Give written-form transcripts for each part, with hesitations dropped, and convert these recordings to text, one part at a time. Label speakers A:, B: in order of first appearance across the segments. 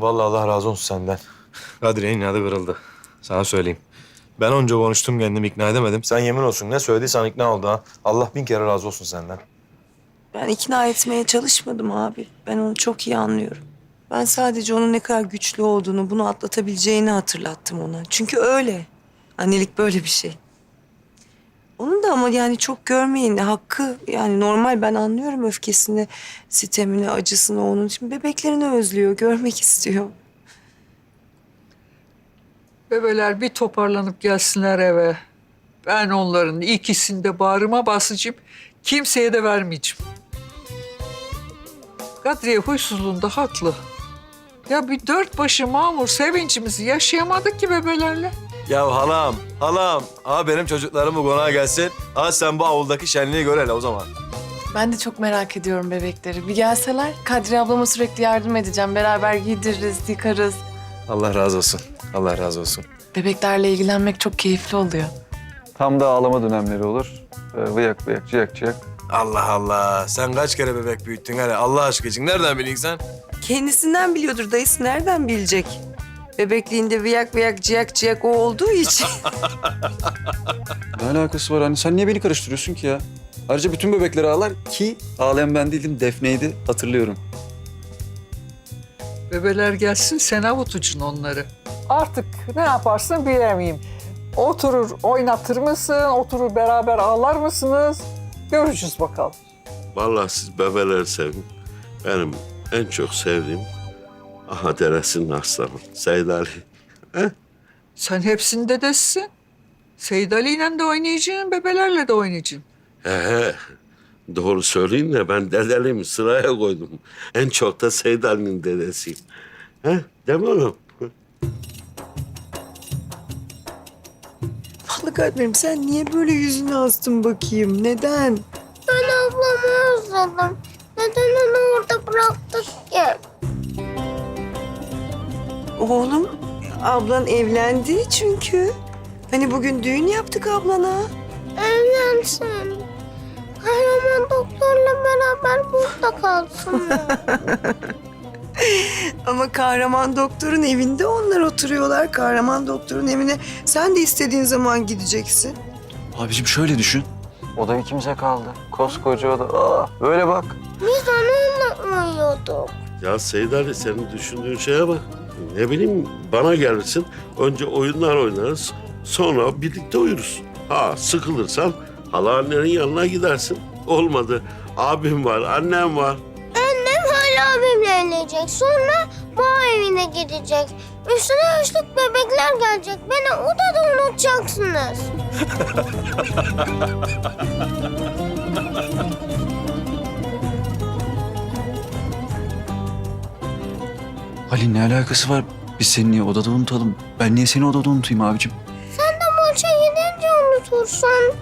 A: Oğlum vallahi Allah razı olsun senden. Kadriye'nin inadı kırıldı. Sana söyleyeyim. Ben onca konuştum kendimi ikna edemedim. Sen yemin olsun ne söylediysen ikna oldu ha. Allah bin kere razı olsun senden.
B: Ben ikna etmeye çalışmadım abi. Ben onu çok iyi anlıyorum. Ben sadece onun ne kadar güçlü olduğunu, bunu atlatabileceğini hatırlattım ona. Çünkü öyle. Annelik böyle bir şey. Onun da ama yani çok görmeyin hakkı. Yani normal, ben anlıyorum öfkesini, sitemini, acısını onun için. Bebeklerini özlüyor, görmek istiyor.
C: Bebeler bir toparlanıp gelsinler eve. Ben onların ikisini de bağrıma basacağım. Kimseye de vermeyeceğim. Kadriye huysuzluğunda haklı. Ya bir dört başı mamur sevincimizi yaşayamadık ki bebelerle.
A: Ya halam. Benim çocuklarım bu konağa gelsin. Sen bu avuldaki şenliği gör hele o zaman.
D: Ben de çok merak ediyorum bebekleri. Bir gelseler Kadriye ablama sürekli yardım edeceğim. Beraber giydiririz, yıkarız.
A: Allah razı olsun. Allah razı olsun.
D: Bebeklerle ilgilenmek çok keyifli oluyor.
E: Tam da ağlama dönemleri olur. Vıyak vıyak, ciyak ciyak.
A: Allah Allah. Sen kaç kere bebek büyüttün hele Allah aşkı için. Nereden biliyorsun sen?
B: Kendisinden biliyordur, dayısı nereden bilecek? Bebekliğinde viyak viyak, ciyak ciyak o olduğu için.
E: Ne alakası var anne? Sen niye beni karıştırıyorsun ki ya? Ayrıca bütün bebekler ağlar ki ağlayan ben değildim, Defne'ydi. Hatırlıyorum.
C: Bebeler gelsin sen avutucun onları. Artık ne yaparsın bilemeyeyim. Oturur oynatır mısın? Oturur beraber ağlar mısınız? Göreceğiz bakalım.
F: Vallahi siz bebeleri sevin. Benim en çok sevdiğim aha deresinin aslanı Seyid Ali.
C: Sen hepsinin dedesisin. Seyid Ali'yle de oynayacaksın, bebelerle de oynayacaksın.
F: He, doğru söyleyin de ben dedeliğimi sıraya koydum. En çok da Seyid Ali'nin dedesiyim. Değil mi oğlum?
B: Vallahi kalbim, sen niye böyle yüzünü astın bakayım? Neden?
G: Ben ablamı özledim. Neden onu orada bıraktık ki?
B: Oğlum, ablan evlendi çünkü. Hani bugün düğün yaptık ablana.
G: Evlensin. Kahraman doktorla beraber burada kalsın.
B: Ama kahraman doktorun evinde onlar oturuyorlar. Kahraman doktorun evine sen de istediğin zaman gideceksin.
E: Abicim şöyle düşün. Oda ikimize kaldı. Koskoca oda. Böyle bak.
G: Biz onunla uyuyorduk.
F: Ya Seyid Ali senin düşündüğün şeye bak. Ne bileyim bana gelirsin. Önce oyunlar oynarız. Sonra birlikte uyuruz. Sıkılırsan annenin yanına gidersin. Olmadı. Abim var, annem var.
G: Annem hala abimle evlenecek. Sonra bağ evine gidecek. Üstüne üstlük bebekler gelecek. Beni odada unutacaksınız.
E: Ali ne alakası var? Biz seni niye odada unutalım? Ben niye seni odada unutayım abicim?
G: Sen de maça gidince unutursun.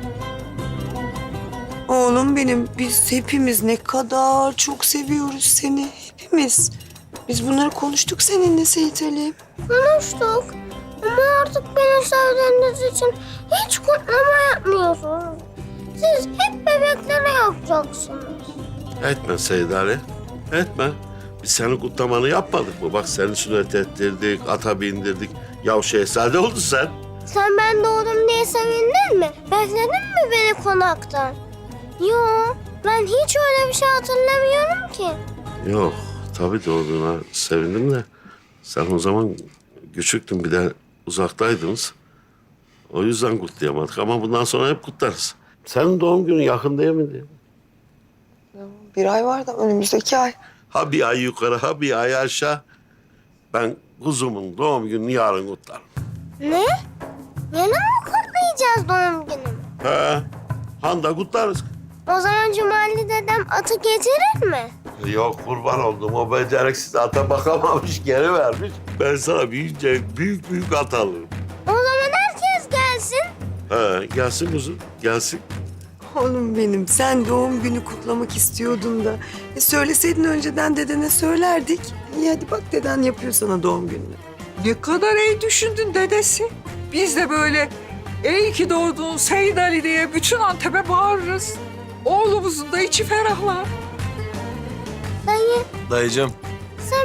B: Oğlum benim, biz hepimiz ne kadar çok seviyoruz seni. Hepimiz. Biz bunları konuştuk seninle Seyit Ali.
G: Konuştuk. Ama artık beni sevdiğiniz için hiç kutlama yapmıyorsunuz. Siz hep bebeklere yapacaksınız.
F: Etme Seyid Ali. Etme. Biz senin kutlamanı yapmadık mı? Bak seni sünnet ettirdik, ata bindirdik. Ya şehzade oldun sen.
G: Sen ben doğdum diye sevindin mi? Bekledin mi beni konaktan? Yok, ben hiç öyle bir şey hatırlamıyorum ki.
F: Yok, tabii doğduğuna sevindim de. Sen o zaman küçüktün, bir de uzaktaydınız. O yüzden kutlayamadık ama bundan sonra hep kutlarız. Senin doğum günün yakın değil miydi?
B: Bir ay var da önümüzdeki ay.
F: Ha bir ay yukarı, ha bir ay aşağı. Ben kuzumun doğum gününü yarın kutlarım.
G: Ne? Yarın mı kutlayacağız doğum günümü?
F: He, handa kutlarız.
G: O zaman Cumali dedem atı getirir mi?
F: Yok kurban oldum. O beceriksiz ata bakamamış, geri vermiş. Ben sana büyüyünce büyük büyük at alırım.
G: O zaman herkes gelsin.
F: He, gelsin kuzum, gelsin.
B: Oğlum benim, sen doğum günü kutlamak istiyordun da. Söyleseydin önceden dedene söylerdik. İyi hadi bak, deden yapıyor sana doğum gününü.
C: Ne kadar iyi düşündün dedesi. Biz de böyle iyi ki doğdun Seyid Ali diye bütün Antep'e bağırırız. Oğlumuzun da içi ferahlar.
G: Dayı,
A: Dayıcığım.
G: sen bebek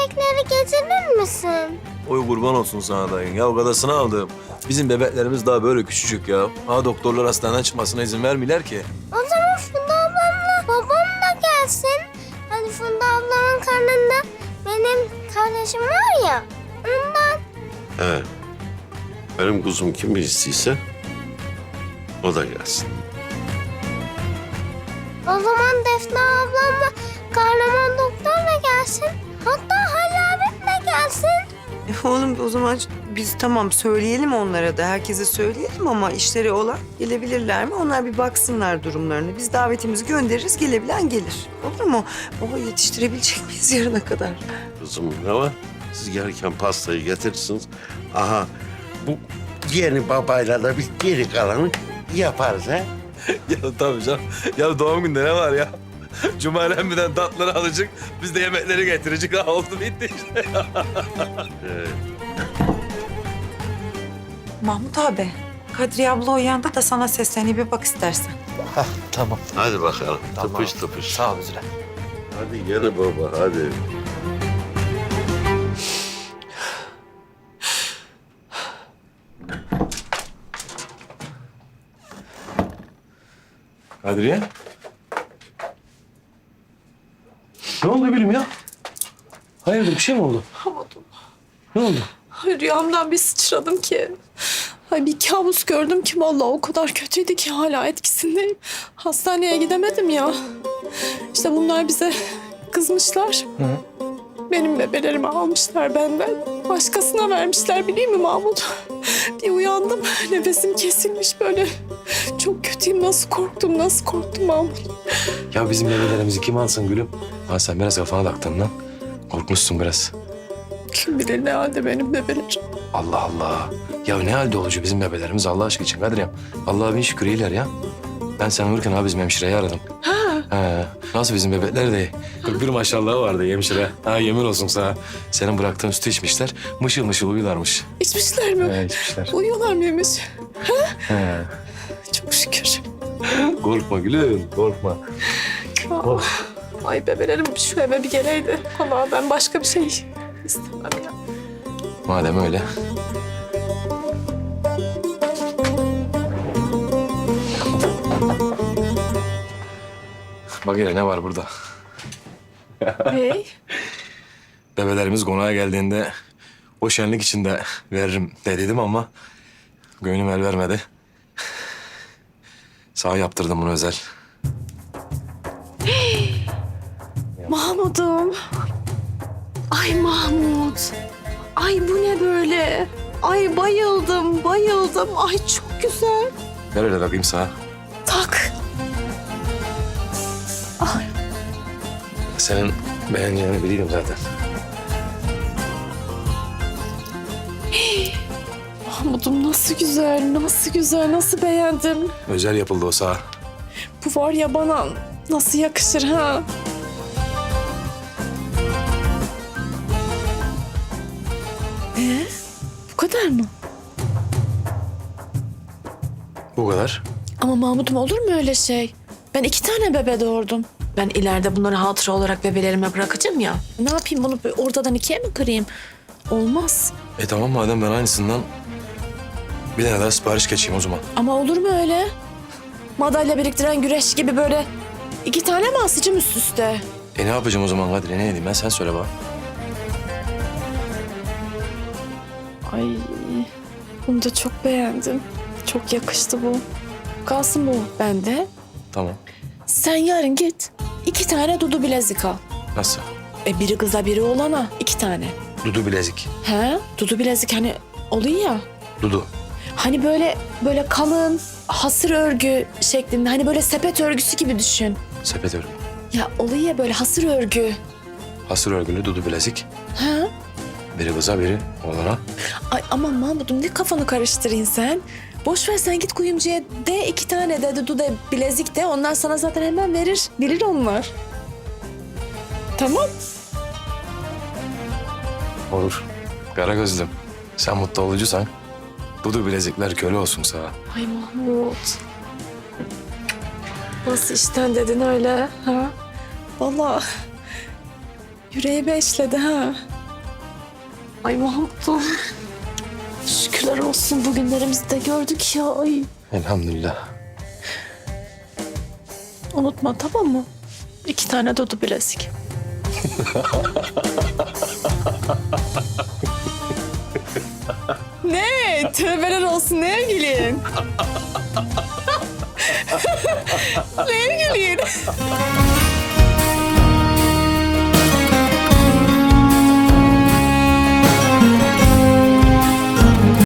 G: bebekleri getirir misin?
A: Oy kurban olsun sana dayın. Ya gadasını aldım. Bizim bebeklerimiz daha böyle küçücük ya. Ha doktorlar hastaneden çıkmasına izin vermiyorlar ki.
G: O zaman Funda ablamla babam da gelsin. Hani Funda ablamın karnında benim kardeşim var ya. Ondan.
F: He. Benim kuzum kim istiyse o da gelsin.
G: O zaman Defne ablamla kahraman doktor da gelsin. Hatta Halil abim de gelsin.
B: Oğlum o zaman biz tamam söyleyelim onlara da. Herkese söyleyelim ama işleri olan gelebilirler mi? Onlar bir baksınlar durumlarını. Biz davetimizi göndeririz, gelebilen gelir. Olur mu? Baba yetiştirebilecek miyiz yarına kadar?
F: Kızım ne var? Siz gelirken pastayı getirirsiniz. Aha bu yeni babayla da bir geri kalanı yaparız ha.
A: Ya tabii canım. Ya doğum günde ne var ya? Cumali birden tatları alacak. Biz de yemekleri getirecek. Ha oldu bitti işte.
H: Mahmut abi, Kadriye abla uyandı da sana seslenip bir bak istersen.
A: Tamam.
F: Hadi bakalım.
A: Tamam.
F: Tıpış tıpış.
A: Sağ ol Üzülen.
F: Hadi yeni baba hadi.
A: Kadriye. Ne oldu gülüm ya? Hayırdır bir şey mi oldu?
I: Yapamadım.
A: Ne oldu?
I: Ay, rüyamdan bir sıçradım ki. Ay, bir kabus gördüm ki vallahi o kadar kötüydü ki hala etkisindeyim. Hastaneye gidemedim ya. İşte bunlar bize kızmışlar. Benim bebelerimi almışlar benden. Başkasına vermişler bileyim mi Mahmut? Bir uyandım nefesim kesilmiş böyle. Çok kötüyüm, nasıl korktum Mahmut.
A: Ya bizim bebelerimizi kim alsın gülüm? Ha sen biraz kafana taktın lan. Korkmuşsun biraz.
I: Kim bilir ne halde benim bebelerim.
A: Allah Allah. Ya ne halde olucu bizim bebelerimiz Allah aşkı için Kadriyem. Allah'a bin şükür iyiler ya. Ben sen uyurken abi bizim hemşireyi aradım. He. Nasıl bizim bebekler de 41 maşallahı vardı hemşire. Ha yemin olsun sana. Senin bıraktığın sütü içmişler. Mışıl mışıl uyularmış.
I: İçmişler mi?
A: He içmişler.
I: Uyuyorlar mıymış?
A: He.
I: Çok şükür.
A: Korkma gülüm korkma.
I: Ah, ay bebelerim şu eve bir geleydi. Ama ben başka bir şey istemem ya.
A: Madem öyle. Bak hele ne var burada.
I: Hey.
A: Bebelerimiz konağa geldiğinde o şenlik içinde veririm dediydim ama gönlüm el vermedi. Sağ yaptırdım bunu özel.
I: Mahmut'um. Ay Mahmut. Ay bu ne böyle? Ay bayıldım. Ay çok güzel.
A: Ver öyle bakayım sağa.
I: Tak. Ay.
A: Senin beğeneceğini biliyordum zaten.
I: Mahmut'um nasıl güzel, nasıl beğendim.
A: Özel yapıldı o sağa.
I: Bu var ya bana nasıl yakışır ha? Bu kadar mı?
A: Bu kadar.
I: Ama Mahmut'um olur mu öyle şey? Ben 2 tane bebe doğurdum. Ben ileride bunları hatıra olarak bebelerime bırakacağım ya. Ne yapayım bunu ortadan 2'ye mi kırayım? Olmaz.
A: Tamam madem ben aynısından bir tane daha sipariş geçeyim o zaman.
I: Ama olur mu öyle? Madalya biriktiren güreş gibi böyle 2 tane mi asacağım üst üste?
A: Ne yapacağım o zaman Kadri? Ne edeyim ben? Sen söyle bana.
I: Ay bunu da çok beğendim. Çok yakıştı bu. Kalsın bu bende.
A: Tamam.
I: Sen yarın git 2 tane dudu bilezik al.
A: Nasıl?
I: Biri kıza biri oğlana 2 tane.
A: Dudu bilezik.
I: He? Dudu bilezik hani oluyor ya.
A: Dudu.
I: Hani böyle kalın hasır örgü şeklinde. Hani böyle sepet örgüsü gibi düşün.
A: Sepet örgü.
I: Ya oluyor ya böyle hasır örgü.
A: Hasır örgülü dudu bilezik.
I: Ha?
A: Biri kıza biri oğlana.
I: Ay aman Mahmut'um ne kafanı karıştırayım sen. Boş ver sen git kuyumcuya de 2 tane de dudu de bilezik de. Onlar sana zaten hemen verir. Bilir onlar. Tamam.
A: Olur. Kara gözlüm. Sen mutlu olucusan dudu bilezikler köle olsun sana.
I: Ay Mahmut. Nasıl işten dedin öyle ha? Vallahi yüreğime işledi ha. Ay Mahmut'um. Şükürler olsun bugünlerimizi de gördük ya. Ay.
A: Elhamdülillah.
I: Unutma tamam mı? 2 tane Dudu bilezik. Ne? Tövbeler olsun. Neye gülüyorsun? Neye gülüyorsun?